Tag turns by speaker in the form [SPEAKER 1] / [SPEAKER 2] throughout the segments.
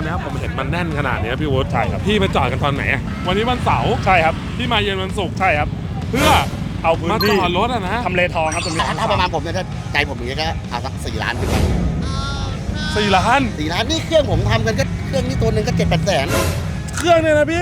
[SPEAKER 1] วันนี้ผมเห็นมันแน่นขนาดนี้พี่วุฒิ
[SPEAKER 2] ใช่ครับ
[SPEAKER 1] พี่มาจอดกันตอนไหนวันนี้วันเสาร์
[SPEAKER 2] ใช่ครับ
[SPEAKER 1] พี่มาเย็นวันศุกร์
[SPEAKER 2] ใช่ครับ
[SPEAKER 1] เพื่อ
[SPEAKER 2] เอาพื้น
[SPEAKER 1] มาจ
[SPEAKER 2] ที่
[SPEAKER 1] อดรถอะนะ
[SPEAKER 2] ทำเลทองครับตรงนี้
[SPEAKER 3] ถ้าประมาณผมเนี่ยถ้าใจผมอย่างเงี้ยก็เอาสัก4 ล้านขึ้นไป
[SPEAKER 1] 4 ล้าน
[SPEAKER 3] 4 ล้านนี่เครื่องผมทำกันก็เครื่องนี้ตัวหนึ่งก็7-8 แสน
[SPEAKER 1] เครื่องเนี่ยนะพี่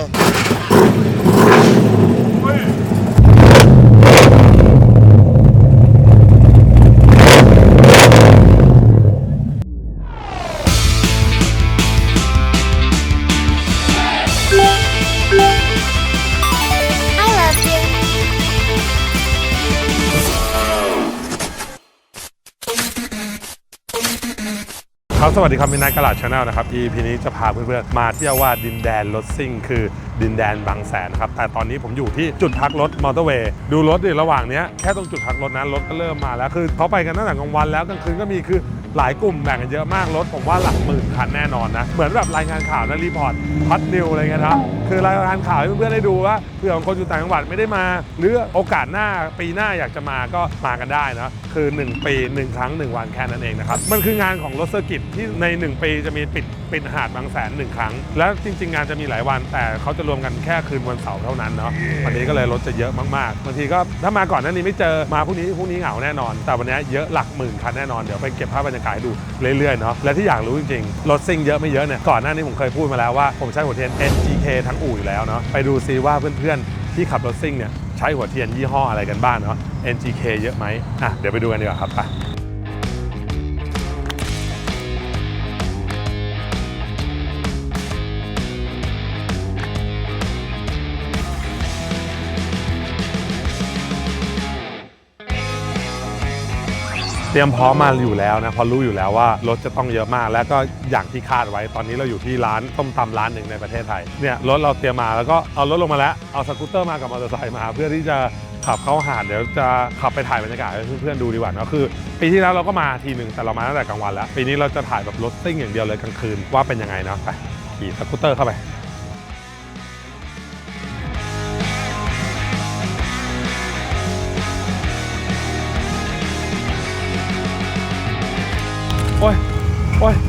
[SPEAKER 1] ครับสวัสดีครับมินไนท์กะลาดชาแนลนะครับ EP นี้จะพาเพื่อนๆมาเที่ยวว่าดินแดนรถซิ่งคือดินแดนบางแสนครับแต่ตอนนี้ผมอยู่ที่จุดพักรถมอเตอร์เวย์ดูรถดิระหว่างนี้แค่ตรงจุดพักรถนั้นรถก็เริ่มมาแล้วคือเขาไปกันตั้งแต่กลางวันแล้วกลางคืนก็มีคือหลายกลุ่มแบ่งกันเยอะมากรถผมว่าหลักหมื่นคันแน่นอนนะเหมือนแบบรายงานข่าวนะรีพอร์ตพัดนิวอะไรเงี้ยครับคือรายงานข่าวให้เพื่อนๆได้ดูว่าเผื่อคนอยู่ต่างจังหวัดไม่ได้มาหรือโอกาสหน้าปีหน้าอยากจะมาก็มากันได้นะคือ1 ปี1 ครั้ง1 วันแค่นั้นเองนะครับมันคืองานของรถเซอร์กิตที่ใน1 ปีจะมีปิดหาดบางแสน1 ครั้งแล้วจริงๆงานจะมีหลายวันแต่เขาจะรวมกันแค่คืนวันเสาร์เท่านั้นเนาะวันนี้ก็เลยรถจะเยอะมากๆบางทีก็ถ้ามาก่อนหน้านี้ไม่เจอมาพรุ่งนี้เหงาแน่นอนแต่วันนี้เยอะหลักหมื่นคันแน่นอนเดี๋ยวไปเก็บภาพบรรยากาศให้ดูเรื่อยๆเนาะและที่อยากรู้จริงๆรถซิ่งเยอะไม่เยอะเนี่ยก่อนหน้านี้ผมเคยพูดมาแล้วว่าผมใช้หัวเทียน NGK ทั้งอู่อยู่แล้วเนาะไปดูซิว่าเพื่อนๆที่ขับรถซิ่งเนี่ยใช้หัวเทียนยี่ห้ออะไรกันบ้างเนาะ NGK เยอะไหมเดี๋ยวไปดูกันดีกว่าครับไปเตรียมพร้อมมาอยู่แล้วนะพอรู้อยู่แล้วว่ารถจะต้องเยอะมากแล้วก็อย่างที่คาดไว้ตอนนี้เราอยู่ที่ร้านต้มตำร้านหนึ่งในประเทศไทยเนี่ยรถเราเตรียมมาแล้วก็เอารถลงมาแล้วเอาสกูตเตอร์มากับมอเตอร์ไซค์มาเพื่อที่จะขับเข้าหาดเดี๋ยวจะขับไปถ่ายบรรยากาศให้เพื่อนๆดูดีกว่านะคือปีที่แล้วเราก็มาทีหนึ่งแต่เรามาตั้งแต่กลางวันแล้วปีนี้เราจะถ่ายแบบรถซิ่งอย่างเดียวเลยกลางคืนว่าเป็นยังไงเนาะไปขี่สกูตเตอร์เข้าไปโอ้ยเฮ้ย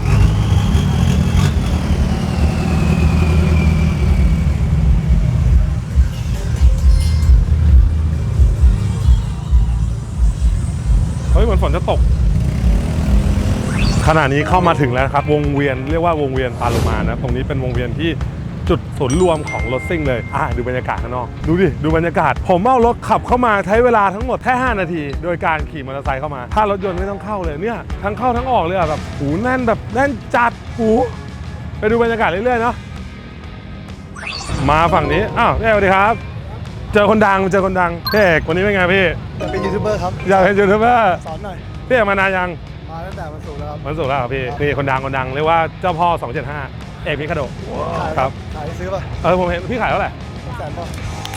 [SPEAKER 1] เหมือนฝนจะตกขณะนี้เข้ามาถึงแล้วครับวงเวียนเรียกว่าวงเวียนปาโลมานะตรงนี้เป็นวงเวียนที่จุดศูนย์รวมของรถซิ่งเลยดูบรรยากาศข้างนอกดูดิดูบรรยากาศผมเอารถขับเข้ามาใช้เวลาทั้งหมดแค่5 นาทีโดยการขี่มอเตอร์ไซค์เข้ามาถ้ารถยนต์ไม่ต้องเข้าเลยเนี่ยทั้งเข้าทั้งออกเลยแบบหูแน่นแบบแน่นจัดหูไปดูบรรยากาศเรื่อยๆเนาะมาฝั่งนี้พี่เอกสวัสดีครับเจอคนดังพี่เอกวันนี้เป็นไงพี่
[SPEAKER 4] อยากเป็นยูทูบเบอร์ครับ
[SPEAKER 1] อยากเป็นยูทูบเบอร์
[SPEAKER 4] สอนหน่อย
[SPEAKER 1] พี่เอกมานานยัง
[SPEAKER 4] มาตั้งแต่วันศุกร์แล้วครับ
[SPEAKER 1] วันศุกร์แล้วครับพี่นี่คนดังเรียกว่าเจ้าพ่อ275เอกมิคาโดะครับ
[SPEAKER 4] ขายซื้อป่ะ
[SPEAKER 1] ผมเห็นพี่ขายเท่าไหร่
[SPEAKER 4] 100,000 ป่ะ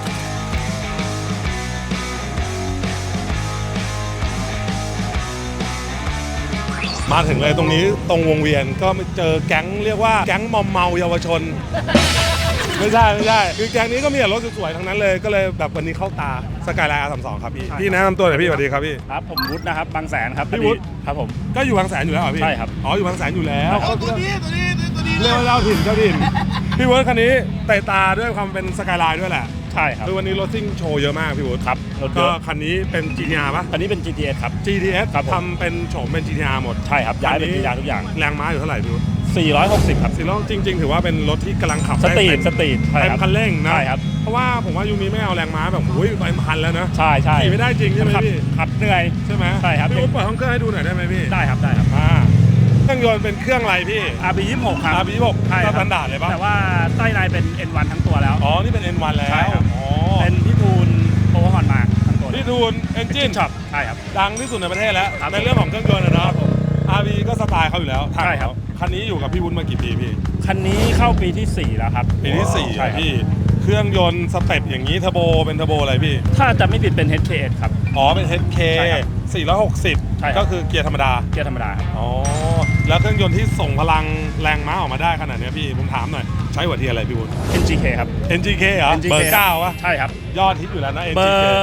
[SPEAKER 1] มาถึงเลยตรงนี้ตรงวงเวียนก็เจอแก๊งเรียกว่าแก๊งมอมเมาเยาวชน ไม่ใช่คือแก๊งนี้ก็มีแต่รถสวยๆทั้งนั้นเลยก็เลยแบบวันนี้เข้าตาสกายไลน์ R32 ครับพี่แนะนำตัวหน่อยพี่สวัสดีครับพี่
[SPEAKER 2] ครับผมวุฒินะครับบางแสนครับ
[SPEAKER 1] พี่วุฒิ
[SPEAKER 2] ครับผม
[SPEAKER 1] ก็อยู่บางแสนอยู่แล้วเหรอพี่
[SPEAKER 2] ใช่ครับ
[SPEAKER 1] อยู่บางแสนอยู่แล้ว
[SPEAKER 3] ตัวนี้
[SPEAKER 1] เรียกว่าเจ้าถิ่นพี่วุฒิคันนี้เตะตาด้วยความเป็นสกายไลน์ด้วยแหละ
[SPEAKER 2] ใช่ครับ
[SPEAKER 1] คือวันนี้รถซิ่งโชว์เยอะมากพี่วุฒิ
[SPEAKER 2] ครับ
[SPEAKER 1] ก็คันนี้เป็น GTR ป่ะ
[SPEAKER 2] คันนี้เป็น GTS ครับ
[SPEAKER 1] GTS ทำเป็นโฉมเป็น GTR หมด
[SPEAKER 2] ใช่ครับย้ายเป็น GTR ทุกอย่าง
[SPEAKER 1] แรงม้าอยู่เท่าไหร่พี่วุฒิ
[SPEAKER 2] 460 ครับ
[SPEAKER 1] 400จริงๆถือว่าเป็นรถที่กำลังขับ
[SPEAKER 2] สตรีท
[SPEAKER 1] เต็มคันเร่งนะ
[SPEAKER 2] ใช่ครับ
[SPEAKER 1] เพราะว่าผมว่ายูนี้ไม่เอาแรงม้าแบบไปพันแล้วนะ
[SPEAKER 2] ใช่
[SPEAKER 1] ขี่ไม่ได้จริงใช่ไหมพี่
[SPEAKER 2] ขับเหนื่อย
[SPEAKER 1] ใช่ไหม
[SPEAKER 2] ใช่ครับ
[SPEAKER 1] พี่วุฒิเปิดห้องเครื่องให้ดูหน่อยได้ไหมพี่
[SPEAKER 2] ได้ครับ
[SPEAKER 1] เครื่องยนต์เป็นเครื่องอะไรพี่
[SPEAKER 2] RB26 ครับ
[SPEAKER 1] RB26
[SPEAKER 2] ใช่ครับ
[SPEAKER 1] สแตนดาร์ดเลยป่ะ
[SPEAKER 2] แต่ว่าใต้ในเป็น N1 ทั้งตัวแล้ว
[SPEAKER 1] นี่เป็น N1 แล้ว
[SPEAKER 2] ใช่ครับเป็นพี่ทูนโอเวอร์ฮอนมาทั้งตัว
[SPEAKER 1] พี่ทูนเอนจิน
[SPEAKER 2] ช็อปใช่ครับ
[SPEAKER 1] ดังที่สุดในประเทศแล้วในเรื่องของเครื่องยนต์นะRB ก็สไตล์เขาอยู่แล้ว
[SPEAKER 2] ใช่ครับ
[SPEAKER 1] คันนี้อยู่กับพี่วุฒิมากี่ปีพี่
[SPEAKER 2] คันนี้เข้าปีที่4แล้วครับ
[SPEAKER 1] ปีที่4ใช่พี่เครื่องยนต์สเต็ปอย่างนี้เทอร์โบเป็นเทอร์โบอะไรพี่
[SPEAKER 2] ถ้าจะไม่ผิดเป็น HKS ครับ
[SPEAKER 1] เป็น HK 460ก็คือเกียร์ธรรมดา
[SPEAKER 2] ครับ
[SPEAKER 1] แล้วเครื่องยนต์ที่ส่งพลังแรงม้าออกมาได้ขนาดนี้พี่ผมถามหน่อยใช้หัวเทียนอะไรพี่วุฒิ
[SPEAKER 2] NGK ครับ
[SPEAKER 1] NGK เหรอเบอร์9วะ
[SPEAKER 2] ใช่ครับ
[SPEAKER 1] ยอดฮิตอยู่แล้วนะ
[SPEAKER 2] NGK เบ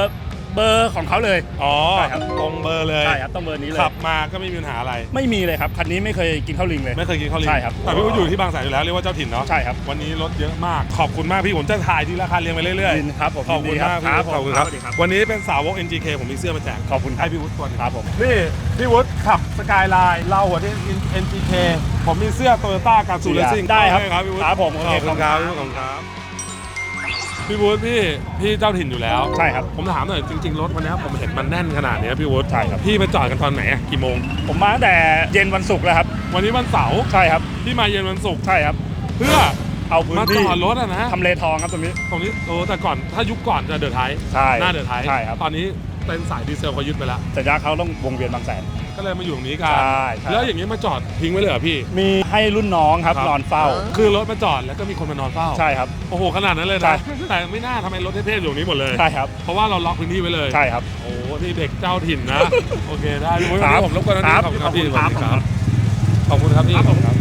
[SPEAKER 2] เบอร์ของเขาเลย
[SPEAKER 1] อ๋อ
[SPEAKER 2] ใช่ครับ
[SPEAKER 1] ตรงเบอร์เลย
[SPEAKER 2] ใช่ครับต้องเบอร์นี้เลย
[SPEAKER 1] ขับมาก็ไม่มีปัญหาอะไร
[SPEAKER 2] ไม่มีเลยครับคันนี้ไม่เคยกินข้าวลิงเลย
[SPEAKER 1] ไม่เคยกินข้าวลิง
[SPEAKER 2] ใช่ครับ
[SPEAKER 1] แต่พี่วุฒิอยู่ที่บางแสนอยู่แล้วเรียกว่าเจ้าถิ่นเนาะ
[SPEAKER 2] ใช่ครับ
[SPEAKER 1] วันนี้รถเยอะมากขอบคุณมากพี่ผมจะถ่ายทีละคันเรียงไปเรื่อย
[SPEAKER 2] ยินครับผม
[SPEAKER 1] ๆขอบคุณมาก
[SPEAKER 2] ยินดี
[SPEAKER 1] พี่วุฒิขอบคุณครับ
[SPEAKER 2] สวัสดีครับ
[SPEAKER 1] วันนี้เป็นสาวก NGK ผมมีเสื้อมาแจก
[SPEAKER 2] ขอบคุณครั
[SPEAKER 1] ให้
[SPEAKER 2] บ
[SPEAKER 1] พี่วุฒิตัวหนึง
[SPEAKER 2] ครับผม
[SPEAKER 1] นี่พี่วุฒิขับสกายไลน์เราหัวที่ NGK ผมมีเสื้อโตโยต้าการ์ตูนเลสซิ่ง
[SPEAKER 2] ได้ครับ
[SPEAKER 1] ครับพี่วุฒิ
[SPEAKER 2] ครับผม
[SPEAKER 1] ข
[SPEAKER 2] โอ
[SPEAKER 1] อบ
[SPEAKER 2] เค
[SPEAKER 1] คุณครับขอบคุณครับพี่วุฒิพี่เจ้าถิ่นอยู่แล้ว
[SPEAKER 2] ใช่ครับ
[SPEAKER 1] ผมถามหน่อยจริงๆรถวันนี้ผมเห็นมันแน่นขนาดนี้พี่วุฒิ
[SPEAKER 2] ใช่ครับ
[SPEAKER 1] พี่มาจอดกันตอนไหนอะกี่โมง
[SPEAKER 2] ผมมาตั้งแต่เย็นวันศุกร์แล้วครับ
[SPEAKER 1] วันนี้วันเสาร์
[SPEAKER 2] ใช่ครับ
[SPEAKER 1] พี่มาเย็นวันศุกร์
[SPEAKER 2] ใช่ครับ
[SPEAKER 1] เพื่อ
[SPEAKER 2] เอาพื้น
[SPEAKER 1] มาจ
[SPEAKER 2] ที่
[SPEAKER 1] อดรถอะนะ
[SPEAKER 2] ทำเลทองครับตรงนี้
[SPEAKER 1] ตรงนี้แต่ก่อนถ้ายุคก่อนจะเดือดไทย
[SPEAKER 2] ใช่
[SPEAKER 1] หน้าเดือดไทย
[SPEAKER 2] ใช่ครับ
[SPEAKER 1] ตอนนี้เป็นสายดีเซลเขายึดไปแล้ว
[SPEAKER 2] สัญญาเขาต้องวงเวียนบางแสน
[SPEAKER 1] ก็เลยมาอยู่ตรงนี้กัน
[SPEAKER 2] ใช่ใช่
[SPEAKER 1] แล้วอย่างนี้มาจอดทิ้งไว้เลยเหรอพี่
[SPEAKER 2] มีให้รุ่นน้องครับนอนเฝ้า
[SPEAKER 1] คือรถมาจอดแล้วก็มีคนมานอนเฝ้า
[SPEAKER 2] ใช่ครับ
[SPEAKER 1] โอ้โหขนาดนั้นเลย
[SPEAKER 2] ใช่
[SPEAKER 1] นะแต่ไม่น่าทำไมรถเท่ๆอยู่ตรงนี้หมดเลย
[SPEAKER 2] ใช่ครับ
[SPEAKER 1] เพราะว่าเราล็อกพื้นที่ไว้เลย
[SPEAKER 2] ใช่ครับ
[SPEAKER 1] โอ้โหนี่เด็กเจ้าถิ่นนะ โอเคได้พี่วุฒิ
[SPEAKER 2] ครับ
[SPEAKER 1] วันนี้ผมรบกวนนะ
[SPEAKER 2] ครับ
[SPEAKER 1] ขอบคุณครับพี่
[SPEAKER 2] ขอบคุณครับ
[SPEAKER 1] ขอบคุณครับพี่
[SPEAKER 2] ครับ
[SPEAKER 1] ขอบคุณครับ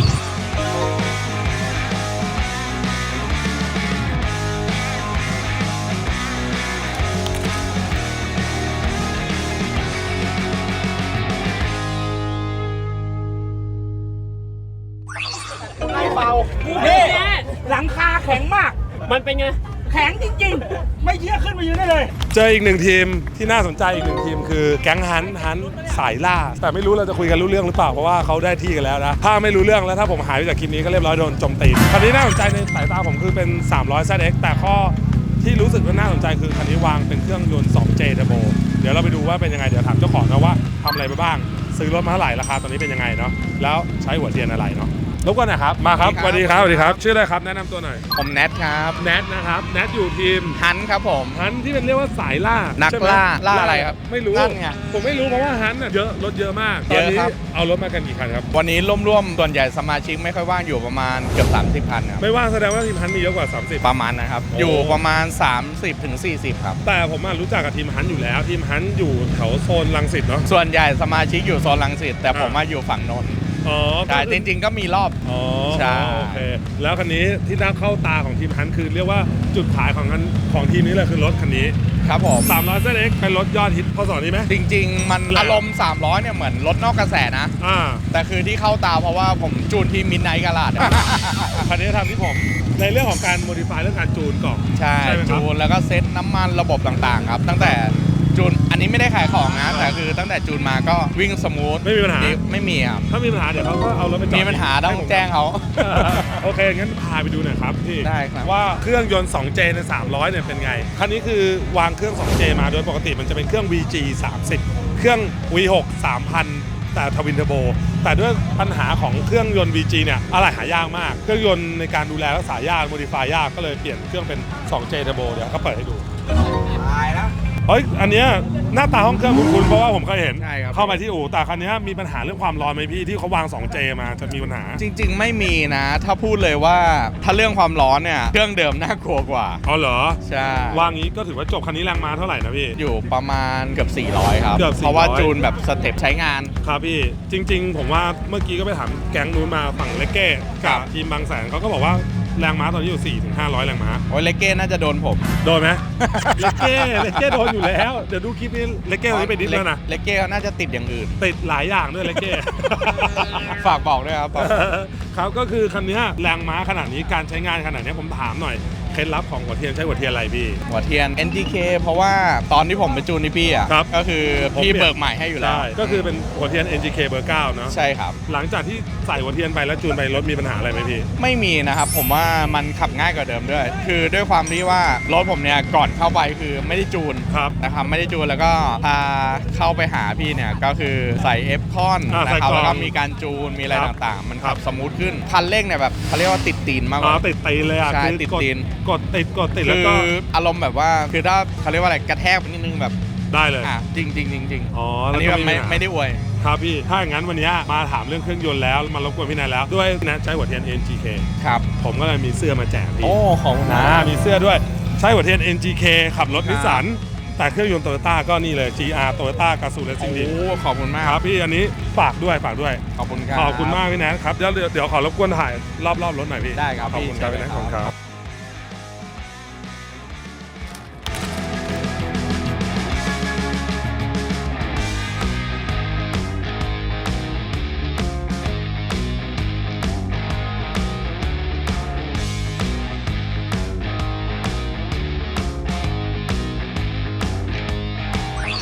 [SPEAKER 2] นี่หลังคาแข็งมาก มันเป็นไง แข็งจริงๆ ไม่เชื่อขึ้นมายืนได้เลย
[SPEAKER 1] เจออีกหนึ่งทีมที่น่าสนใจอีกหนึ่งทีมคือแก๊งฮันสายล่า แต่ไม่รู้เราจะคุยกันรู้เรื่องหรือเปล่าเพราะว่าเขาได้ที่กันแล้วนะถ้าไม่รู้เรื่องแล้วถ้าผมหายไปจากคลิปนี้ก็เรียบร้อยโดนโจมตีคันนี้น่าสนใจในสายตาผมคือเป็น300 ZX แต่ข้อที่รู้สึกว่าน่าสนใจคือคันนี้วางเป็นเครื่องยนต์ 2J Turbo เดี๋ยวเราไปดูว่าเป็นยังไงเดี๋ยวถามเจ้าของนะว่าทำอะไรไปบ้างซื้อรถมาเท่าไหร่ราคาตอนนี้เป็นยังไงเนาะแล้วใช้หัวเทียนอะไรเนาะรบกวนหน่อยครับมาครับสวัสดีครับสวัสดีครับชื่ออะไรครับแนะนำตัวหน่อย
[SPEAKER 5] ผมแนทครับ
[SPEAKER 1] แนทนะครับแนทอยู่ทีม
[SPEAKER 5] ฮันครับผม
[SPEAKER 1] ฮันที่เป็นเรียกว่าสายล่า
[SPEAKER 5] นัก
[SPEAKER 1] ใช่ไหม
[SPEAKER 5] ล่าอะไรครับ
[SPEAKER 1] ไม่รู้
[SPEAKER 5] นั่นไง
[SPEAKER 1] ผมไม่รู้เพราะว่าฮันน่ะเยอะรถเยอะมากต
[SPEAKER 5] เย
[SPEAKER 1] อน
[SPEAKER 5] อะ
[SPEAKER 1] นี้
[SPEAKER 5] ครับ
[SPEAKER 1] เอารถมากันกี่คันครับ
[SPEAKER 5] วันนี้ร่วมๆส่วนใหญ่สมาชิกไม่ค่อยว่างอยู่ประมาณเกือบ30คันครับ
[SPEAKER 1] ไม่ว่าแสดงว่าทีมฮันมีเยอะกว่า 30
[SPEAKER 5] ประมาณนะครับ
[SPEAKER 1] โอ้
[SPEAKER 5] อยู่ประมาณ 30ถึง40 ครับ
[SPEAKER 1] แต่ผมอะรู้จักกับทีมฮันอยู่แล้วทีมฮันอยู่แถวโซนรังสิตเนาะ
[SPEAKER 5] ส่วนใหญ่สมาชิกอยู่โซนรังสิตแต่ผม
[SPEAKER 1] อ่า
[SPEAKER 5] มาอยู่ฝั่งนนท์
[SPEAKER 1] อ๋อ
[SPEAKER 5] ใช่จริงๆก็มีรอบ
[SPEAKER 1] อ๋อ
[SPEAKER 5] ใช่
[SPEAKER 1] โอเคแล้วคันนี้ที่น่าเข้าตาของทีมฮันคือเรียกว่าจุดขายของทีมนี้เลยคือรถคันนี้
[SPEAKER 5] ครับผม
[SPEAKER 1] 300 ZX เป็นรถยอดฮิตพศนี้ไหม
[SPEAKER 5] จริงๆ มัน
[SPEAKER 1] แรง
[SPEAKER 5] อารมณ์300เนี่ยเหมือนรถนอกกระแสนะ
[SPEAKER 1] อ่า
[SPEAKER 5] แต่คือที่เข้าตาเพราะว่าผมจูนที่มิดไนท์กาลาด
[SPEAKER 1] คันนี้ทำที่ผมในเรื่องของการโมดิฟายเรื่องการจูนกล่อง
[SPEAKER 5] ใช่
[SPEAKER 1] ใช่ไหมครับ
[SPEAKER 5] จูนแล้วก็เซ็ตน้ำมันระบบต่างๆครับ ตั้งแต่จูนอันนี้ไม่ได้ขายของนะ แต่คือตั้งแต่จูนมาก็วิ่งสมูท
[SPEAKER 1] ไม่มีปัญหา
[SPEAKER 5] ไม่มีครับ
[SPEAKER 1] ถ้ามีปัญหาเดี๋ยวเขาก็เอารถไปจอด
[SPEAKER 5] มีปัญหาต้อง
[SPEAKER 1] ให้ผม
[SPEAKER 5] แจ้งเขา
[SPEAKER 1] โอเค งั้นพาไปดูหน่อยครับพี่
[SPEAKER 5] ได้ครับ
[SPEAKER 1] ว่าเครื่องยนต์ 2J ใน 300 เนี่ยเป็นไง คันนี้คือวางเครื่อง 2J มาโดยปกติมันจะเป็นเครื่อง VG 30 เครื่อง V6 3,000 แต่ทวินเทอร์โบ แต่ด้วยปัญหาของเครื่องยนต์ VG เนี่ยอะไรหายากมาก เครื่องยนต์ในการดูแลรักษายาก โมดิฟายยาก ก็เลยเปลี่ยนเครื่องเป็น 2J Turbo เดี๋ยวก็เปิดให้ดู เฮ้ย อันเนี้ยหน้าตาห้องเครื่องคุ้นๆเพราะว่าผมเคยเห็น
[SPEAKER 5] ใช่ครับ
[SPEAKER 1] เข้ามาที่อู่แต่คันเนี้ยมีปัญหาเรื่องความร้อนไหมพี่ที่เขาวาง 2J มาจะมีปัญหา
[SPEAKER 5] จริง ๆ ไม่มีนะ ถ้าพูดเลยว่าถ้าเรื่องความร้อนเนี่ย เครื่องเดิมน่ากลัวกว่า
[SPEAKER 1] อ๋อเหรอ
[SPEAKER 5] ใช่
[SPEAKER 1] วางงี้ก็ถือว่าจบคันนี้แรงม้าเท่าไหร่นะพี่
[SPEAKER 5] อยู่ประมาณเกือบ400 ครับ
[SPEAKER 1] เกือบ400
[SPEAKER 5] เพราะว่าจูนแบบสเต็ปใช้งาน
[SPEAKER 1] ครับพี่จริง ๆ ผมว่าเมื่อกี้ก็ไปถามแก๊งนู้นมาฝั่งเลกเก้
[SPEAKER 5] ครั
[SPEAKER 1] กับบ ทีมบางแสนเขาก็บอกว่าแรงม้าตอนนี้อยู่ 4-500 แรงม้า
[SPEAKER 5] โอ้ยเลเก้น่าจะโดนผม
[SPEAKER 1] โดนไหม เลกเก้โดนอยู่แล้ว เดี๋ยวดูคลิปนี้เลกเก้ตอนนี้ไปดิสแล้วนะ
[SPEAKER 5] เลเก้เขาน่าจะติดอย่างอื่น
[SPEAKER 1] ติดหลายอย่างด้วยเลกเก้
[SPEAKER 5] ฝากบอกด้วยครับ
[SPEAKER 1] ครับก็คือคันนี้แรงม้าขนาดนี้การใช้งานขนาดนี้ผมถามหน่อยเคล็ดลับของหัวเทียนใช้หัวเทียนอะไรพี่
[SPEAKER 5] หัวเทียน NGK เพราะว่าตอนที่ผมไปจูนที่พี่อ่ะ
[SPEAKER 1] ครับ
[SPEAKER 5] ก็คือ
[SPEAKER 1] ผม
[SPEAKER 5] พี่
[SPEAKER 1] เปลี่ยน
[SPEAKER 5] เบิกใหม่ให้อยู่แล้ว
[SPEAKER 1] ใช่ก็คือเป็นหัวเทียน NGK เบอร์ 9 เนอะ
[SPEAKER 5] ใช่ครับ
[SPEAKER 1] หลังจากที่ใส่หัวเทียนไปแล้วจูนไปรถมีปัญหาอะไรไหมพี่
[SPEAKER 5] ไม่มีนะครับผมว่ามันขับง่ายกว่าเดิมด้วย คือด้วยความที่ว่ารถผมเนี่ยก่อนเข้าไปคือไม่ได้จูน
[SPEAKER 1] ครับ
[SPEAKER 5] นะครับไม่ได้จูนแล้วก็พาเข้าไปหาพี่เนี่ยก็คือใส่เอฟคอน
[SPEAKER 1] ใส่
[SPEAKER 5] นะครับ
[SPEAKER 1] กล่อง
[SPEAKER 5] แล้วก็มีการจูนมีอะไร
[SPEAKER 1] ครับ
[SPEAKER 5] ต่างๆ มัน
[SPEAKER 1] ครั
[SPEAKER 5] ขั
[SPEAKER 1] บ
[SPEAKER 5] บสมูทขึ้นคันเร่งเนี่ยแบบเขาเรียกว่าติดตีนมากก
[SPEAKER 1] อ๋อ
[SPEAKER 5] ว่า
[SPEAKER 1] ติดตีนเลยอ่ะ
[SPEAKER 5] ใช่
[SPEAKER 1] คือ
[SPEAKER 5] ติด
[SPEAKER 1] ก
[SPEAKER 5] ตีน
[SPEAKER 1] กดติดแล้ว
[SPEAKER 5] คื
[SPEAKER 1] ก็
[SPEAKER 5] ออารมณ์แบบว่าคือถ้าเขาเรียกว่าอะไรกระแทกไปนิดนึงแบบ
[SPEAKER 1] ได้เลย
[SPEAKER 5] จริงจริงจริง
[SPEAKER 1] อ๋อ
[SPEAKER 5] อั
[SPEAKER 1] แล้ว
[SPEAKER 5] นนี้
[SPEAKER 1] ก็
[SPEAKER 5] แบบไม่
[SPEAKER 1] ปัญหา
[SPEAKER 5] ไม่ได้อวย
[SPEAKER 1] ครับพี่ ถ้าอย่างนั้นวันนี้มาถามเรื่องเครื่องยนต์แล้วมารบกวนพี่แนนแล้วด้วยแนนใช้หัวเทียน NGK
[SPEAKER 5] ครับ
[SPEAKER 1] ผมก็เลยมีเสื้อมาแจกพี่
[SPEAKER 5] โอ้ของนะ
[SPEAKER 1] มีเสื้อด้วยใช้หัวเทียน NGK ขับรถ
[SPEAKER 5] ครับ
[SPEAKER 1] นิสสันแต่เครื่องยนต์โตโยต้าก็นี่เลย GR โตโยต้ากาซูเลสซิ่งดี
[SPEAKER 5] โอ้ขอบคุณมาก
[SPEAKER 1] ครับพี่อันนี้ฝากด้วย
[SPEAKER 5] ขอบคุณครับ
[SPEAKER 1] ขอบคุณมากพี่แนนครับเดี๋ยวขอรบกวนถ่ายรอบรถหน่อยพี่
[SPEAKER 5] ได้ครับ
[SPEAKER 1] ขอบคุณครับ
[SPEAKER 5] พี่
[SPEAKER 1] พี่แนน
[SPEAKER 5] เชิ
[SPEAKER 1] ขอบ
[SPEAKER 5] ญ
[SPEAKER 1] คุณ
[SPEAKER 5] เลย
[SPEAKER 1] ค
[SPEAKER 5] ครั
[SPEAKER 1] รับ บ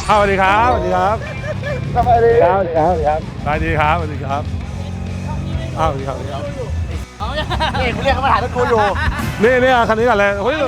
[SPEAKER 1] สวัสดีครับสวัสดีครับ
[SPEAKER 4] สวัสดีครับสวัสดีครับ
[SPEAKER 1] สวัสดีครับสวัสดีครับสวัสดีครับ
[SPEAKER 3] นี่กูเรียกเขามาถ่ายรถกูอยู่
[SPEAKER 1] นี่คันนี้กันเลยเฮ้ย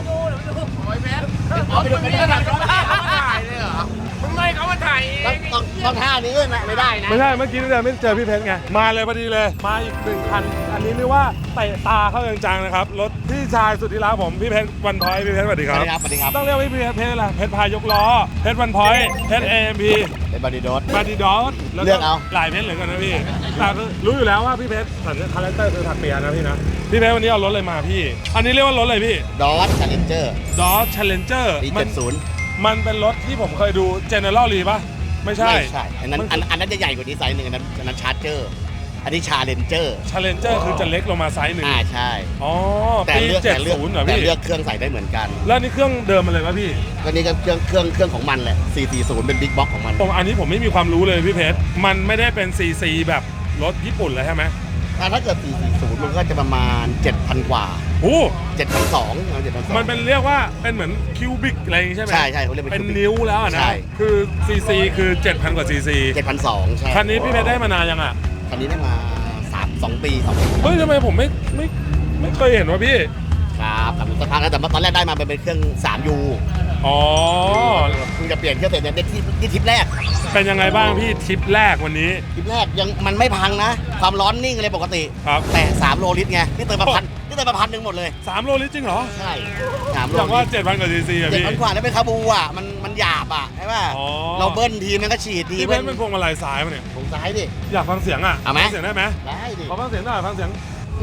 [SPEAKER 3] เอาไปดูกันนี่ถ่ายเขาถ่ายเลยเหรอ
[SPEAKER 2] มึงไม่เขามาถ่ายเอง
[SPEAKER 3] ต้องท่านี้นะไม่ได้นะ
[SPEAKER 1] ไม่ใช่เมื่อกี้นี่เดินไม่เจอพี่เพชรไงมาเลยพอดีเลยมาอีก1 คันอันนี้เรียกว่าเตะตาเข้าจังๆนะครับรถพี่ชายสุดที่รักผมพี่เพชรวันพอยพี่เพชรสวัสดี
[SPEAKER 3] ส
[SPEAKER 1] ค
[SPEAKER 3] วั
[SPEAKER 1] รั
[SPEAKER 3] ส
[SPEAKER 1] บ
[SPEAKER 3] ดีครับสวัสดีครับ
[SPEAKER 1] ต้องเรียกว่าพี่เพชรอะไรเพชรพายกล้อเพชรวันพอยเพชร AMP
[SPEAKER 3] เป็นบอดี้โดส
[SPEAKER 1] มาดีดอสแล้ว
[SPEAKER 3] เลือกเอา
[SPEAKER 1] หลายเพชรเหลือเกินนะพี่แต่คือรู้อยู่แล้วว่าพี่เพชรสัญญาคาแรคเตอร์คือถักเปียนะพี่นะพี่เพชรวันนี้เอารถอะไรมาพี่ อันนี้เรียกว่ารถอะไรพี่
[SPEAKER 3] ดอสชาเลนเจอร์
[SPEAKER 1] ดอส Challenger
[SPEAKER 3] ปี
[SPEAKER 1] มัน
[SPEAKER 3] 70
[SPEAKER 1] มันเป็นรถที่ผมเคยดู General Lee ป่ะไม่ใช่
[SPEAKER 3] ไม่ใช่อันนั้นจะใหญ่กว่านี้ไซส์หนึ่งอันนั้นชาร์เจอร์อันนี้ชาเลนเจอร์
[SPEAKER 1] Challenger คือจะเล็กลงมาไซส์หนึ่ง
[SPEAKER 3] ใช่
[SPEAKER 1] อ๋อ
[SPEAKER 3] แต่
[SPEAKER 1] ปี
[SPEAKER 3] เลือก
[SPEAKER 1] 70เหรอ
[SPEAKER 3] แต่
[SPEAKER 1] พี่
[SPEAKER 3] เลือกเครื่องใส่ได้เหมือนกัน
[SPEAKER 1] แล้วนี่เครื่องเดิมมาเลยป่ะพี่
[SPEAKER 3] ก็นี่ก็เครื่องของมันแหละ 440 เป็นบิ๊กบ็อกของมัน
[SPEAKER 1] ผมอันนี้ผมไม่มีความรู้เลยพี่เพชรมันไม่ได้เป็น CC แบบรถญี่ปุ่นเลยใช่ไหม
[SPEAKER 3] ถ้าเกิด 440 มันก็จะประมาณ 7,000 กว่า
[SPEAKER 1] โอ้
[SPEAKER 3] 7,200
[SPEAKER 1] มันเป็นเรียกว่าเป็นเหมือนคิวบิกอะไรอย่างงี้ใช่ไหม
[SPEAKER 3] ใช่เขาเรียก
[SPEAKER 1] เป็นนิ้วแล้วอะนะ
[SPEAKER 3] ใช่
[SPEAKER 1] คือ CC คือ 7,000 กว่า CC
[SPEAKER 3] 7,200 ใช่
[SPEAKER 1] คันนี้พี่เพชรได้มานานยังอ่ะ
[SPEAKER 3] คันนี้ได้มา2 ปี 2 ปี
[SPEAKER 1] เฮ้ยทำไมผมไม่เคยเห็นวะพี่
[SPEAKER 3] ครับกับสักพักแล้วแต่ตอนแรกได้มาเป็นเครื่อง 3U
[SPEAKER 1] อ๋อ
[SPEAKER 3] เพิ่งจะเปลี่ยนเครื่องเสร็จเนี่ยได้ที่ทริปแรก
[SPEAKER 1] เป็นยังไงบ้างพี่ทริปแรกวันนี้
[SPEAKER 3] ทริปแรกยังมันไม่พังนะ ความร้อนนิ่งเลยปกติ
[SPEAKER 1] ครับ
[SPEAKER 3] แต่3 โลลิตรไงนี่เติมมาพันหนึ่งหมดเลย
[SPEAKER 1] 3 โลลิตรจริงเหรอ
[SPEAKER 3] ใช่3 โล
[SPEAKER 1] อย่างว่า
[SPEAKER 3] ลิตร
[SPEAKER 1] 7,000 กว่า CC อะพี่
[SPEAKER 3] 7,000 กว่าแล้วเป็นคาบูอ่ะมันหยาบอ่ะใช่ป่ะ
[SPEAKER 1] อ๋อ
[SPEAKER 3] เราเบิ้ลทีมันก็ฉีดที
[SPEAKER 1] พี่เพชรเป็นพวงมาลัยซ้ายมาเนี่ย
[SPEAKER 3] ผมซ้ายดิ
[SPEAKER 1] อยากฟังเสียงอ่ะ
[SPEAKER 3] เอาไหม
[SPEAKER 1] ฟังเสียงได้ไหม
[SPEAKER 3] ได้ดิ
[SPEAKER 1] ขอฟังเสียงหน่อยฟังเสียง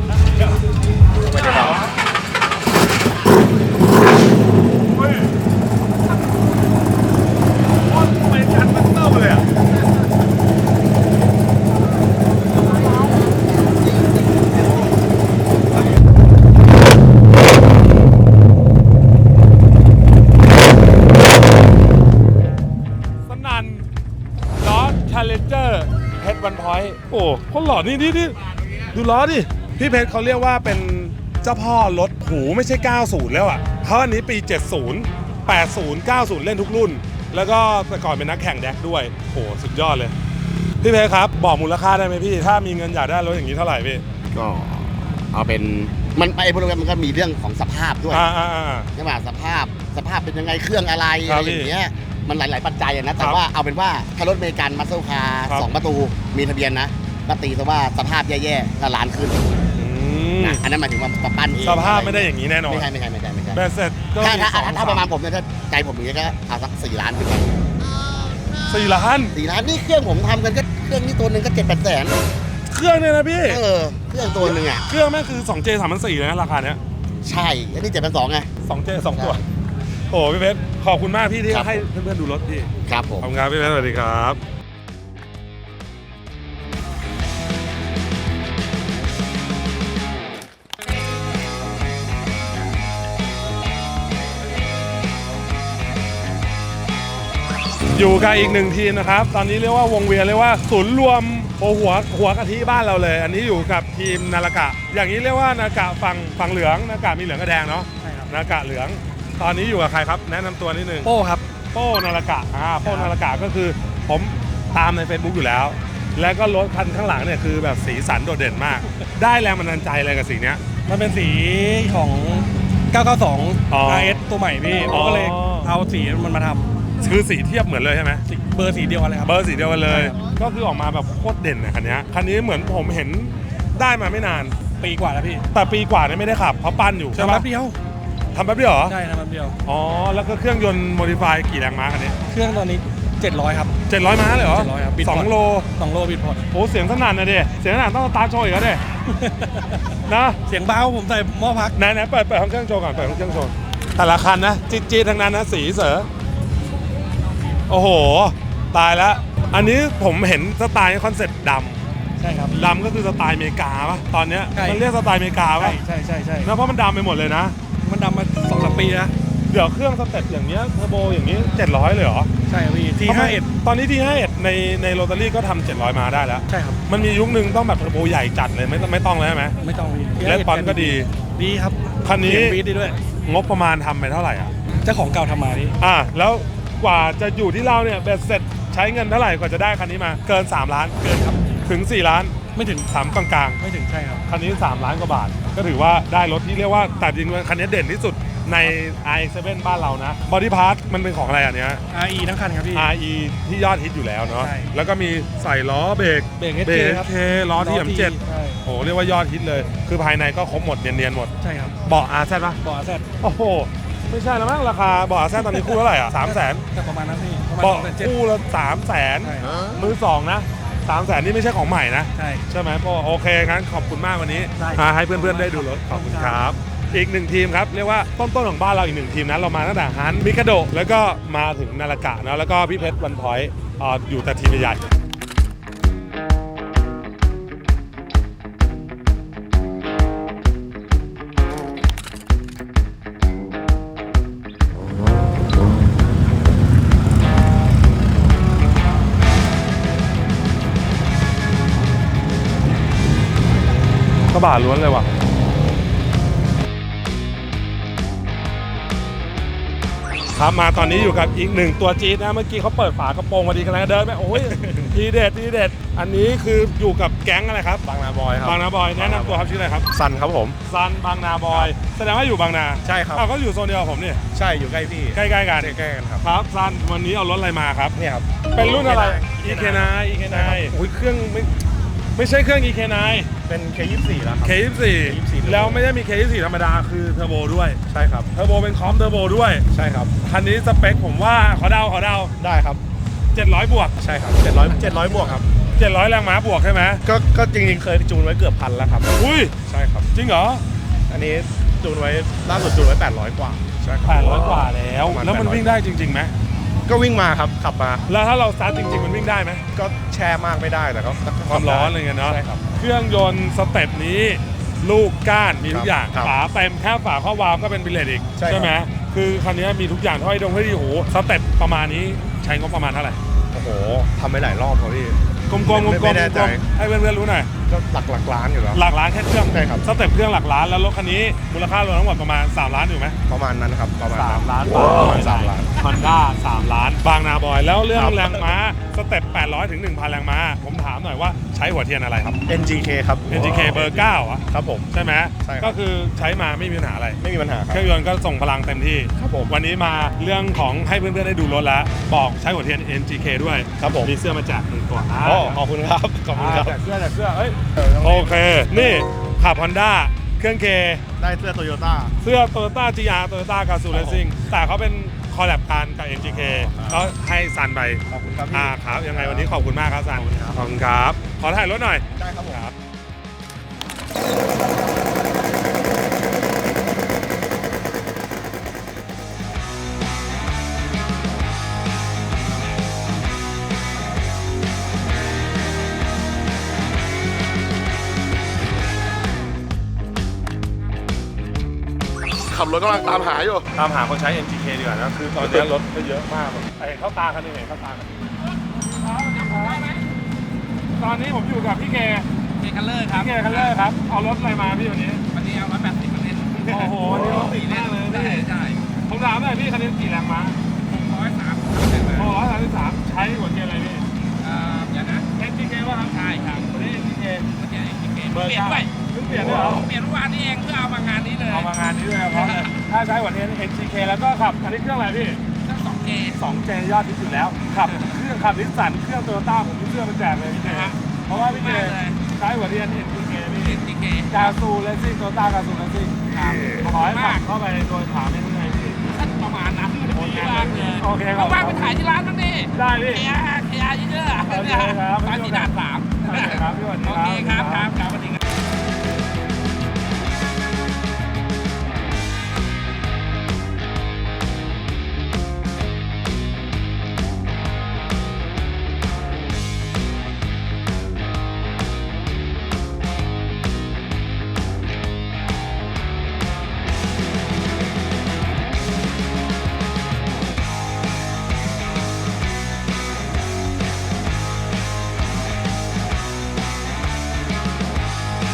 [SPEAKER 1] เฮ้ยโคตรเป็นคันบัตเตอร์เลยอ่ะสนั่นดอสชาเลนเจอร์เพชรวันพอยต์โอ้คนหล่อนี่ดูล้อดิ พี่เพชรเขาเรียกว่าเป็นเจ้าพ่อรถหูไม่ใช่ 90 แล้วอ่ะเขาอันนี้ปี 70 80 90 เล่นทุกรุ่น แล้วก็แต่ก่อนเป็นนักแข่งแดกด้วยโหสุดยอดเลย พี่เพชรครับ บอกมูลค่าได้ไหมพี่ ถ้ามีเงินอยากได้รถอย่างนี้เท่าไหร่พี่
[SPEAKER 3] ก็เอาเป็นมันไอ้พวกนี้มันก็มีเรื่องของสภาพด้วย ใช่ป่ะสภาพเป็นยังไงเครื่องอะไร
[SPEAKER 1] ครั
[SPEAKER 3] อะ
[SPEAKER 1] บ
[SPEAKER 3] ไรอย่างเงี้ยมันหลาย ๆ ปัจจัยอะนะ
[SPEAKER 1] ค
[SPEAKER 3] แต่
[SPEAKER 1] รับ
[SPEAKER 3] ว่าเอาเป็นว่าถ้ารถอเมริกันมัสเซลคาร์
[SPEAKER 1] ครับ
[SPEAKER 3] 2 ประตูมีทะเบียนนะก็ตีซะว่าสภาพแย่ๆก็ล้านขึ้น
[SPEAKER 1] อืม
[SPEAKER 3] นะอันนั้นหมายถึงว่าปั้นเอง
[SPEAKER 1] สภาพไม่ได้อย่างนี้แน่นอน
[SPEAKER 3] ไม่ใช่
[SPEAKER 1] แบตเสร็จก็
[SPEAKER 3] ถ้า
[SPEAKER 1] มีสอง
[SPEAKER 3] ถ้าประมาณผมเนี่ยถ้าใจผมอย่างเงี้ยก็เอาสัก4 ล้านขึ้นไป
[SPEAKER 1] 4 ล้าน
[SPEAKER 3] 4 ล้านนี่เครื่องผมทำกันก็เครื่องนี้ตัวหนึ่งก็7-8 แสน
[SPEAKER 1] เครื่องเนี่ยนะพี่
[SPEAKER 3] เครื่องตัวหนึ่งอ่ะ
[SPEAKER 1] เครื่องแม่งคือ 2J 3,400เลยนะราคาเนี้ย
[SPEAKER 3] ใช่อันนี้7,200ไง
[SPEAKER 1] 2J 2 ตัว โอ้พี่เพชรขอบคุณมากพี่ที่
[SPEAKER 3] ครับ
[SPEAKER 1] ให้เพื่อนๆดูรถพี่
[SPEAKER 3] ครับผม
[SPEAKER 1] ขอบคุณครับพี่เพชรสวัสดีครับอยู่กับอีกหนึ่งทีมนะครับ ตอนนี้เรียกว่าวงเวียนเรียกว่าศูนย์รวมหัวกะทิบ้านเราเลย อันนี้อยู่กับทีมนารากะ อย่างนี้เรียกว่านารากะฝั่งเหลืองนารากะมีเหลืองกับแดงเนาะ
[SPEAKER 4] ใช่ครับ
[SPEAKER 1] นารากะเหลือง ตอนนี้อยู่กับใครครับ แนะนำตัวนิดนึง
[SPEAKER 4] โป้ครับ
[SPEAKER 1] โป้นารากะโป้นารากะก็คือผมตามใน Facebook อยู่แล้ว แล้วก็รถคันข้างหลังเนี่ยคือแบบสีสันโดดเด่นมาก ได้แรงบันดาลใจอะไรกับสีเนี้ย
[SPEAKER 4] มันเป็นสีของ
[SPEAKER 1] อ๋อ
[SPEAKER 4] 992 RS ตัวใหม่พี่
[SPEAKER 1] อ๋อ
[SPEAKER 4] ผมก็เลยเอาสีมันมาท
[SPEAKER 1] คือสีเทียบเหมือนเลยใช่ไหม
[SPEAKER 4] ำเบอร์สีเดียวกันเลยครับ
[SPEAKER 1] เบอร์สีเดียวกันเลย
[SPEAKER 4] ใช่ครับ
[SPEAKER 1] ก็คือออกมาแบบโคตรเด่นนะคันนี้คันนี้เหมือนผมเห็นได้มาไม่นาน
[SPEAKER 4] ปีกว่าแล้วพี่
[SPEAKER 1] แต่ปีกว่าเนี่ยไม่ได้ขับเพราะปั้นอยู่ใช่
[SPEAKER 4] ทำ
[SPEAKER 1] ปะ
[SPEAKER 4] แป๊บเดียว
[SPEAKER 1] ทำแป๊บเดียวเหรอ
[SPEAKER 4] ใช่ทำแป๊บเดียว
[SPEAKER 1] อ๋อแล้วก็เครื่องยนต์โมดิฟายกี่แรงม้าคันนี้
[SPEAKER 4] เครื่องตอนนี้ 700 ครับ
[SPEAKER 1] 700 ม้าเลยเหรอ
[SPEAKER 4] 700ครับบิดพอร์ต
[SPEAKER 1] 2 โล
[SPEAKER 4] 2 โลบิดพอร์ต
[SPEAKER 1] โอ้เสียงสนั่นนะดิเสียงสนั่นต้องสตาร์ทโชว์อีกแล้วดิ นะ
[SPEAKER 4] เสียงเบาผมใส่หม้อพัก
[SPEAKER 1] ไหนเปิดห้องเครื่องโชว์ก่อนเปิดห้องเครื่องโชว์แต่ละคันนะจี๊ดๆทั้งนั้นนะสีเสือโอ้โหตายแล้วอันนี้ผมเห็นสไตล์คอนเซ็ปต์ด
[SPEAKER 4] ใช่ครับ
[SPEAKER 1] ำดำก็คือสไตล์อเมริกาปะตอนเนี้ย
[SPEAKER 4] ใช่
[SPEAKER 1] มันเรียกสไตล์อเมริกา
[SPEAKER 4] ใช่
[SPEAKER 1] ปะ
[SPEAKER 4] ใช่ใช่ใช่
[SPEAKER 1] นะเพราะมันดำไปหมดเลยนะ
[SPEAKER 4] มันดำมา 2-3 ปีนะ
[SPEAKER 1] เดี๋ยวเครื่องสเต็ปอย่างเงี้ยเทอร์โบอย่างนี้700เลยเหรอ
[SPEAKER 4] ใช่ครับพี่ T51
[SPEAKER 1] ตอนนี้ T51 ในโรตารี่ก็ทำ700 มาได้แล้ว
[SPEAKER 4] ใช่ครับ
[SPEAKER 1] มันมียุคนึงต้องแบบเทอร์โบใหญ่จัดเลยไม่ต้องเลยใช่ไหม
[SPEAKER 4] ไม่ต้องพี่
[SPEAKER 1] เลสปอนก็ดี
[SPEAKER 4] ดีครับ
[SPEAKER 1] คันนี้
[SPEAKER 4] เสียงบีทดีด้วย
[SPEAKER 1] งบประมาณทำไปเท่าไหร่อ่ะ
[SPEAKER 4] เจ้าของเก่าทำมาพี่
[SPEAKER 1] แล้วกว่าจะอยู่ที่เราเนี่ยเบ็ดเสร็จใช้เงินเท่าไหร่กว่าจะได้คันนี้มาเกิน3ล้าน
[SPEAKER 4] เกินครับ
[SPEAKER 1] ถึง4ล้าน
[SPEAKER 4] ไม่ถึง
[SPEAKER 1] 3กลาง
[SPEAKER 4] ไม่ถึงใช่ครับ
[SPEAKER 1] ๆคันนี้3ล้านกว่าบาท ก็ถือว่าได้รถที่เรียกว่าแต่จริงๆคันนี้เด่นที่สุดใน i7 บ้านเรานะบอดี้พาร์ทมันเป็นของอะไรอันเนี้ย
[SPEAKER 4] RE ทั้งคันครับพี่
[SPEAKER 1] RE ที่ยอดฮิตอยู่แล้วเนาะ
[SPEAKER 4] ใช่
[SPEAKER 1] แล้วก็มีใส่ล้อเบรก
[SPEAKER 4] เบรก SK ครับ
[SPEAKER 1] SK ล้อที่M7
[SPEAKER 4] ใช่
[SPEAKER 1] โอ้เรียกว่ายอดฮิตเลย คือภายในก็ครบหมดเนียนๆหมด
[SPEAKER 4] ใช่ครับ
[SPEAKER 1] เบาะ RZ ป่ะ
[SPEAKER 4] เบาะแซด
[SPEAKER 1] โอ้โห ไม่ใช่แล้วมั้งราคาเบาะ RZ ตอนนี้คู่เท่าไหร่อ่ะ300,000
[SPEAKER 4] แต่ประมาณนั้นพี่ประมาณ
[SPEAKER 1] เบาะ
[SPEAKER 4] 2,700,000
[SPEAKER 1] คู่ละ300,000
[SPEAKER 4] ใช่
[SPEAKER 1] มือสองนะ300,000นี่ไม่ใช่ของใหม่นะ
[SPEAKER 4] ใช่
[SPEAKER 1] ใช่ไหมพ่อโอเคงั้นขอบคุณมากวันนี้
[SPEAKER 4] ได้
[SPEAKER 1] ให้เพื่อนๆได้ดูรถขอบคุณครับ อีกหนึ่งทีมครับเรียกว่าต้นๆของบ้านเราอีกหนึ่งทีมนะเรามาตั้งแต่ฮันมิคาโดแล้วก็มาถึงนารากะนะแล้วก็พี่เพชรวันพอยต์อยู่แต่ทีมใหญ่กระบะล้วนเลยว่ะครับมาตอนนี้อยู่กับอีกหนึ่งตัวจี๊ดนะเมื่อกี้เขาเปิดฝากระโปรงมาดีกันแล้วเดินไปโอ้ย ทีเด็ดทีเด็ดอันนี้คืออยู่กับแก๊งอะไรครับ
[SPEAKER 5] บางนาบอยครับ
[SPEAKER 1] บางนาบอยแนะนำตัวครับชื่ออะไรครับ
[SPEAKER 5] ซันครับผม
[SPEAKER 1] ซันบางนาบอยแสดงว่าอยู่บางนา
[SPEAKER 5] ใช่ครับ
[SPEAKER 1] อ้าวก็อยู่โซนเดียวกับผมนี่
[SPEAKER 5] ใช่อยู่ใกล้พี่
[SPEAKER 1] ใกล้ๆกัน
[SPEAKER 5] ใกล้ๆกันครับ
[SPEAKER 1] ครับซันวันนี้เอารถอะไรมาครับ
[SPEAKER 5] เนี่ยครับ
[SPEAKER 1] เป็นรุ่นอะไร
[SPEAKER 5] EK9
[SPEAKER 1] EK9 โอ้ยเครื่องไม่ใช่เครื่อง EK9
[SPEAKER 5] เป็น K24 แล้วครับ
[SPEAKER 1] K24 แล้วไม่ได้มี K24 ธรรมดาคือเทอร์โบด้วย
[SPEAKER 5] ใช่ครับ
[SPEAKER 1] เทอร์โบเป็นคอมเทอร์โบด้วย
[SPEAKER 5] ใช่ครับ
[SPEAKER 1] คันนี้สเปคผมว่าขอเดา
[SPEAKER 5] ได้ครับ
[SPEAKER 1] 700 บวก
[SPEAKER 5] ใช่ครับ700บวกครับ
[SPEAKER 1] 700 แรงม้าบวกใช่ไหม
[SPEAKER 5] ก็จริงๆเคยจูนไว้เกือบพันแล้วครับ
[SPEAKER 1] อุ้ย
[SPEAKER 5] ใช่ครับ
[SPEAKER 1] จริงเหรอ
[SPEAKER 5] อันนี้จูนไว้ล่าสุดจูนไว้800กว่าใช่ครับ
[SPEAKER 1] 800 กว่าแล้ว
[SPEAKER 5] ประมาณ
[SPEAKER 1] แล้วมัน
[SPEAKER 5] 800
[SPEAKER 1] วิ่งได้จริงๆไหม
[SPEAKER 5] ก็วิ่งมาครับขับมา
[SPEAKER 1] แล้วถ้าเราสตาร์ทจริงๆมันวิ่งได้ไหม
[SPEAKER 5] ก็แช่มากไม่ได้แต่ก็
[SPEAKER 1] ความร้อนอะไรเงี้ยเนาะ
[SPEAKER 5] ใช่ครับ
[SPEAKER 1] เครื่องยนต์สเต็ปนี้ ลูกก้านมีทุกอย่าง
[SPEAKER 5] ครับ
[SPEAKER 1] ฝาเต็มแค่ฝาข้อวาล์วก็เป็นบิลเลตอีก
[SPEAKER 5] ใช่ครับ
[SPEAKER 1] ไหมคือคันนี้มีทุกอย่างถ้อยดีโหสเต็ปประมาณนี้ใช้งบประมาณเท่าไหร่
[SPEAKER 5] โอ้โหทำไปหลายรอบครับพี่
[SPEAKER 1] กลมๆๆ
[SPEAKER 5] ไม่แน่ใจ
[SPEAKER 1] ให้เพื่อนๆรู้หน่อย
[SPEAKER 5] ก็หลักล้านอยู่แล้ว
[SPEAKER 1] หลักล้านแค่เครื่อง
[SPEAKER 5] ใช่ครับ
[SPEAKER 1] สเต็ปเครื่องหลักล้านแล้วรถคันนี้มูลค่ารวมทั้งหมดประมาณ3ล้านอยู่ไหม
[SPEAKER 5] ประมาณนั้นครับประมาณนั้น
[SPEAKER 1] 3 ล้าน
[SPEAKER 5] ประมาณ3ล้าน
[SPEAKER 1] ฮอนด้า3ล้าน บางนาบอย แล้วเรื่อง
[SPEAKER 5] ครับ
[SPEAKER 1] แรงม้าสเต็ป800 ถึง 1,000 แรงม้า ผมถามหน่อยว่าใช้หัวเทียนอะไรครับ
[SPEAKER 5] NGK ครับ
[SPEAKER 1] NGK เบอร์9อ่ะ
[SPEAKER 5] ครับผม
[SPEAKER 1] ใช่ไหม
[SPEAKER 5] ใช่ครับ
[SPEAKER 1] ก็คือใช้มาไม่มีปัญหาอะไร
[SPEAKER 5] ไม่มีปัญหาค
[SPEAKER 1] เครับ รื่องยนต์ก็ส่งพลังเต็มที่
[SPEAKER 5] ครับผม
[SPEAKER 1] วันนี้มาเรื่องของให้เพื่อนๆได้ดูรถแล้ว บอกใช้หัวเทียน NGK ด้วย
[SPEAKER 5] ครับผม
[SPEAKER 1] มีเสื้อมาแจก1ตัวนะ
[SPEAKER 5] อ๋อขอบคุณครับขอบคุณครับ
[SPEAKER 1] แจกเสื้อเอ้ยโอเค นี่ขับ Honda เครื่อง K
[SPEAKER 5] ได้เสื้อโตโยต้า
[SPEAKER 1] เสื้อ Toyota GR Toyota Gazoo Racing แต่เขาเป็นคอลแลบกันกับ NGK ก็ให้ซันไป
[SPEAKER 5] ขอบคุณครับพี่
[SPEAKER 1] ครับยังไงวันนี้ขอบคุณมากครับซัน ขอบคุณครับ ขอถ่ายรถหน่อย
[SPEAKER 5] ได้ครับผม ขับรถกำลังตามหาอยู่
[SPEAKER 1] ตามหาคนใช้ NGK ดีกว่านะ คือตอนนี้รถก็เยอะมากแบบเห็นเข้าตาคันหนึงเห็นเข้าตาคันหนึงตอนนี้ผมอยู่กับพี่เก
[SPEAKER 2] เกคัลเลอร์ครับ
[SPEAKER 1] พี่เกคัลเลอร์ครับ เอารถอะไรมาพี่วันนี้
[SPEAKER 2] วันนี้เอา180คะแนน
[SPEAKER 1] โอ้โหวันนี้รถติดมากเลย
[SPEAKER 2] ได้
[SPEAKER 1] พี่
[SPEAKER 2] ได้
[SPEAKER 1] ผมถามหน่อยพี่คันนี้กี่แรงม้า
[SPEAKER 2] 630
[SPEAKER 1] โอ้133ใช้หัวเทียนอะไรพี่
[SPEAKER 2] อย่างนะ
[SPEAKER 1] NGK ป่ะครับ
[SPEAKER 2] ใช่ครับ
[SPEAKER 1] วันนี้ NGK
[SPEAKER 2] เมื่อกี้เองเป
[SPEAKER 1] เบอร์
[SPEAKER 2] ลี่ยนด้วย
[SPEAKER 1] เพิ่งเปลี่ยนด้วยเหรอ
[SPEAKER 2] เปลี่ยนเมื่อวานนี้เองเพื่อเอามางานนี้เลย
[SPEAKER 1] เอามางานนี้ด้วยเพราะเลยถ้าใช้หัวเทียน NGK แล้วก็ขับอันนี้เครื่องอะไรพี่
[SPEAKER 2] ทั้ง2K
[SPEAKER 1] 2J ยอดที่สุดแล้วขับเครื่องขับนิสสันเครื่องโตโยต้าผมมีเสื้อมาแจกเลยพี่เจ
[SPEAKER 2] นะฮะ
[SPEAKER 1] เพราะว่าพี่เจ
[SPEAKER 2] มากเลย
[SPEAKER 1] ใช้หัวเทียน NGK พี่
[SPEAKER 2] NGK
[SPEAKER 1] กาซูเลสซิ่งโตโยต้ากาซูเลสซิ่งขอให้ขับเข้าไปโดยถามไม่ได้ไงพี่
[SPEAKER 2] ประมาณนั้น
[SPEAKER 1] โอเค
[SPEAKER 2] ดีมากเลย
[SPEAKER 1] โอเคครับ
[SPEAKER 2] ว่างๆไปถ่ายที่ร้านบ้างดิ
[SPEAKER 1] ได้พี่
[SPEAKER 2] KR เยอะๆ
[SPEAKER 1] โอเคครับ
[SPEAKER 2] ร้านสีดาด3
[SPEAKER 1] โอเคครับพี่สวัสดี
[SPEAKER 2] โอ
[SPEAKER 1] ครับ
[SPEAKER 2] เคครับครับสวัสดีครับ
[SPEAKER 1] ค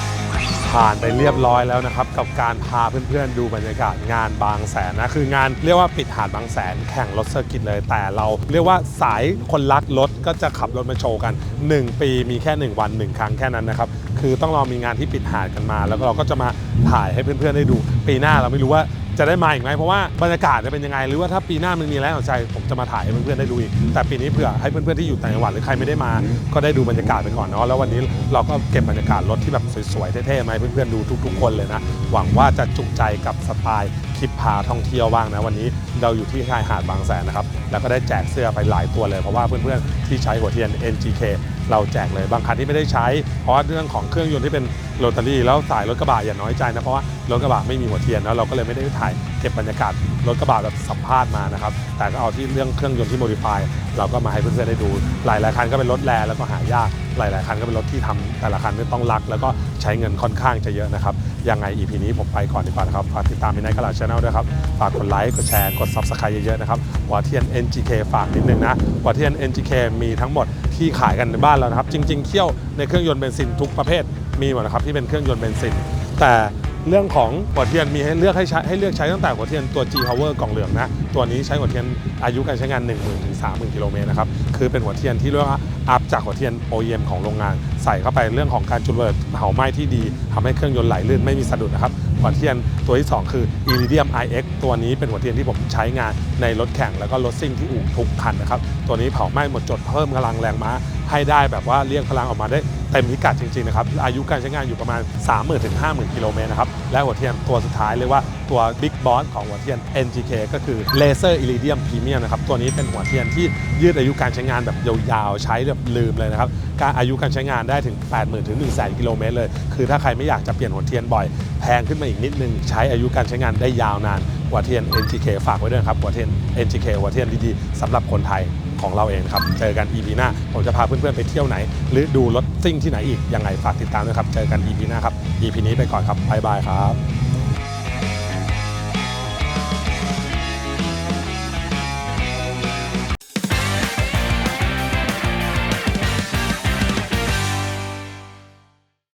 [SPEAKER 1] ผ่านไปเรียบร้อยแล้วนะครับกับการพาเพื่อนๆดูบรรยากาศงานบางแสนนะคืองานเรียกว่าปิดหาดบางแสนแข่งรถเซอร์กิตเลยแต่เราเรียกว่าสายคนรักรถก็จะขับรถมาโชว์กัน1 ปีมีแค่1 วัน 1 ครั้งแค่นั้นนะครับคือต้องรอมีงานที่ปิดหาดกันมาแล้วก็เราก็จะมาถ่ายให้เพื่อนๆได้ดูปีหน้าเราไม่รู้ว่าจะได้มาอีกไหมเพราะว่าบรรยากาศจะเป็นยังไงหรือว่าถ้าปีหน้ามันมีอะไรสนใจผมจะมาถ่ายให้เพื่อนๆได้ดูอีกแต่ปีนี้เผื่อให้เพื่อนๆที่อยู่ต่างจังหวัดหรือใครไม่ได้มาก็ได้ดูบรรยากาศไปก่อนเนาะแล้ววันนี้เราก็เก็บบรรยากาศรถที่แบบสวยๆเท่ๆมาให้เพื่อนๆดูทุกๆคนเลยนะหวังว่าจะจุใจกับสไตล์คลิปพาท่องเที่ยวบ้างนะวันนี้เราอยู่ที่ชายหาดบางแสนนะครับแล้วก็ได้แจกเสื้อไปหลายตัวเลยเพราะว่าเพื่อนๆที่ใช้หัวเทียน NGK เราแจกเลยบางคันที่ไม่ได้ใช้เพราะว่าเรื่องของเครื่องยนต์ที่เป็นโรตารี่แล้วสายรถกระบะอย่าน้อยใจนะเพราะว่ารถกระบะไม่มีหัวเทียนแล้วเราก็เลยไม่ได้ถ่ายเก็บบรรยากาศรถกระบะแบบสัมภาษณ์มานะครับแต่ก็เอาที่เรื่องเครื่องยนต์ที่โมดิฟายเราก็มาให้เพื่อนๆได้ดูหลายๆคันก็เป็นรถแรงแล้วก็หายากหลายๆคันก็เป็นรถที่ทำแต่ละคันก็ต้องรักแล้วก็ใช้เงินค่อนข้างจะเยอะนะครับยังไง EP นี้ผมไปก่อนดีกว่านะครับฝากติดตามMidnight Garage Channel ด้วยครับฝากกดไลค์กดแชร์กด Subscribe เยอะๆนะครับหัวเทียน NGK ฝากนิดนึงนะหัวเทียน NGK มีทั้งหมดที่ขายกันในบ้านเรานะครับจริงๆเคี่ยวในเครื่องยนต์เบนซินทุกประเภทมีหมดนะครับที่เป็นเครื่องยนต์เบนซินแต่เรื่องของหัวเทียนมีให้เลือกใช้ตั้งแต่หัวเทียนตัว G Power กล่องเหลืองนะตัวนี้ใช้หัวเทียนอายุการใช้งาน 10,000 ถึง 30,000 กิโลเมตรนะครับคือเป็นหัวเทียนที่เรียกว่าอัพจากหัวเทียน OEM ของโรงงานใส่เข้าไปเรื่องของการจุลระเบิดเผาไหม้ที่ดีทำให้เครื่องยนต์ไหลลื่นไม่มีสะดุดนะครับหัวเทียนตัวที่ 2 คือ Iridium IX ตัวนี้เป็นหัวเทียนที่ผมใช้งานในรถแข่งแล้วก็รถซิ่งที่อู่ทุกคันนะครับตัวนี้เผาไหม้หมดจดเพิ่มพลังแรงม้าให้ได้แบบว่าเรียกพลังออกมาได้เต็มพิกัดจริงๆนะครับอายุการใช้งานอยู่ประมาณ 30,000 ถึง 50,000 กิโลเมตรนะครับและหัวเทียนตัวสุดท้ายเรียกว่าตัว Big Boss ของหัวเทียน NGK ก็คือ Laser Iridium Premium นะครับตัวนี้เป็นหัวเทียนที่ยืดอายุการใช้งานแบบยาวๆใช้แบบลืมเลยนะครับการอายุการใช้งานได้ถึง 80,000 ถึง 100,000 กิโลเมตรเลยคือถ้าใครไม่อยากจะเปลี่ยนหัวเทียนบ่อยแพงขึ้นมาอีกนิดนึงใช้อายุการใช้งานได้ยาวนานหัวเทียน NGK ฝากไว้ด้วยครับหัวเทียน NGK หัวเทียนดีๆสำหรับคนไทยของเราเองครับเจอกัน EP หน้าผมจะพาเพื่อนๆไปเที่ยวไหนหรือดูรถซิ่งที่ไหนอีกยังไงฝากติดตามด้วยครับเจอกัน EP หน้าครับ EP นี้ไปก่อนครับบ๊ายบายครับ